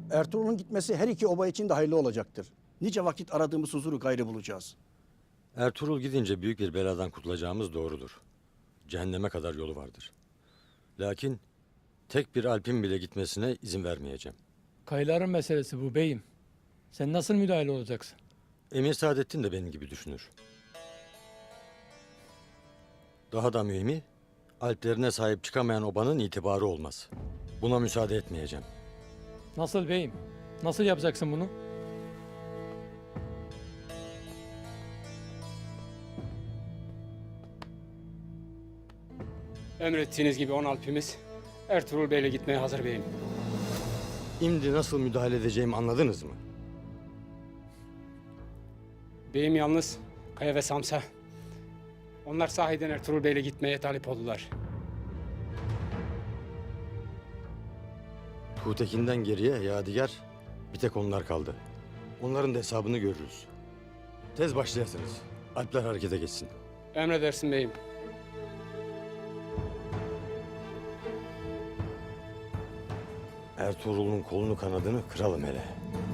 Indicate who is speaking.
Speaker 1: Ertuğrul'un gitmesi her iki oba için de hayırlı olacaktır. Nice vakit aradığımız huzuru gayrı bulacağız.
Speaker 2: Ertuğrul gidince büyük bir beladan kurtulacağımız doğrudur. Cehenneme kadar yolu vardır. Lakin tek bir Alp'in bile gitmesine izin vermeyeceğim.
Speaker 3: Kayıların meselesi bu beyim. Sen nasıl müdahale olacaksın?
Speaker 2: Emir Saadettin de benim gibi düşünür. Daha da mühimi, Alplerine sahip çıkamayan obanın itibarı olmaz. Buna müsaade etmeyeceğim.
Speaker 3: Nasıl beyim? Nasıl yapacaksın bunu?
Speaker 4: Emrettiğiniz gibi 10 Alp'imiz Ertuğrul Bey'le gitmeye hazır beyim.
Speaker 2: Şimdi nasıl müdahale edeceğimi anladınız mı?
Speaker 4: Beyim yalnız Kaya ve Samsa. Onlar sahiden Ertuğrul Bey'le gitmeye talip oldular.
Speaker 2: Tuğtekin'den geriye Yadigar, bir tek onlar kaldı. Onların da hesabını görürüz. Tez başlayasınız. Alpler harekete geçsin.
Speaker 4: Emredersin beyim.
Speaker 2: Ertuğrul'un kolunu kanadını kıralım hele.